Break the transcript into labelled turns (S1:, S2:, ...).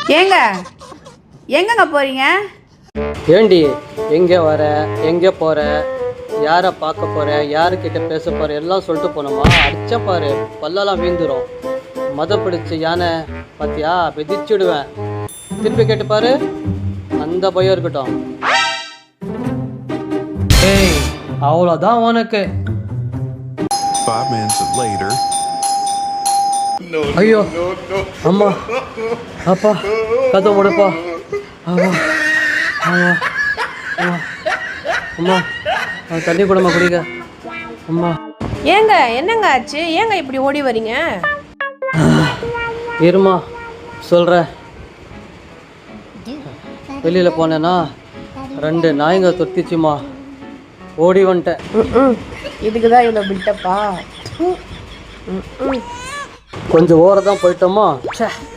S1: ஏங்க எங்கங்க போறீங்க?
S2: ஏண்டி எங்கே வர, எங்கே போகிற, யாரை பார்க்க போகிற, யாருக்கிட்ட பேச போகிற எல்லாம் சொல்லிட்டு போனோமா? அடிச்சா பாரு பல்லெல்லாம் வீந்துடும். மத பிடிச்ச யானை பார்த்தியா, விதிச்சுடுவேன். திருப்பி கேட்டு பாரு, அந்த பயம் இருக்கட்டும். ஏய் அவ்வளோதான் உனக்கு. ஐயோ அம்மா அப்பா கதை முடப்பா. ஆமா ஆமா அம்மா அம்மா தண்ணி கூடமா குடிக்க. அம்மா
S1: ஏங்க என்னங்க ஆச்சு? ஏங்க இப்படி ஓடி வரீங்க?
S2: இருமா சொல்கிறேன். வெளியில் போனேன்னா 2 நாய்ங்க தொத்திச்சுமா, ஓடி வந்துட்டேன்.
S1: இதுக்கு தான் இவ்வளோ பில்டப்பா?
S2: கொஞ்சம் ஓரதான் போயிட்டோமா.